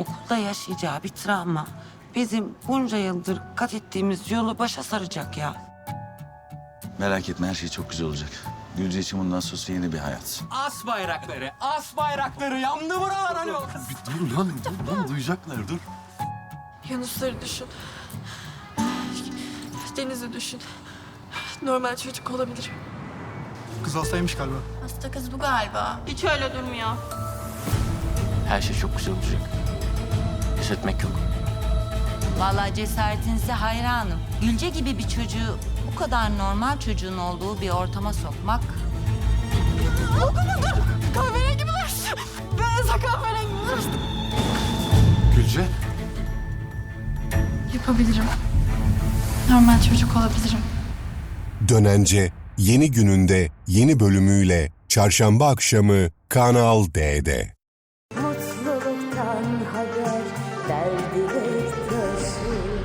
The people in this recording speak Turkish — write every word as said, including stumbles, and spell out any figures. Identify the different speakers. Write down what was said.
Speaker 1: okulda yaşayacağı bir travma bizim bunca yıldır kat ettiğimiz yolu başa saracak ya.
Speaker 2: Merak etme, her şey çok güzel olacak. Gülce için bundan sonra yeni bir hayat.
Speaker 3: As bayrakları, as bayrakları yandı buralar hani o.
Speaker 4: Dur lan, dur lan duyacaklar dur.
Speaker 5: Yunusları düşün. Deniz'i düşün. Normal çocuk olabilir.
Speaker 4: Kız hastaymış galiba.
Speaker 5: Hasta kız bu galiba. Hiç öyle durmuyor.
Speaker 3: Her şey çok güzel olacak. Pes etmek yok.
Speaker 6: Vallahi cesaretinize hayranım. Gülce gibi bir çocuğu bu kadar normal çocuğun olduğu bir ortama sokmak...
Speaker 5: Kahverengi bulaştı. Beyaza kahverengi bulaştı.
Speaker 4: Gülce.
Speaker 5: Yapabilirim. Normal çocuk olabilirim.
Speaker 7: Dönence yeni gününde yeni bölümüyle çarşamba akşamı Kanal D'de.
Speaker 8: Mutluluktan haber, derdi hep taşı.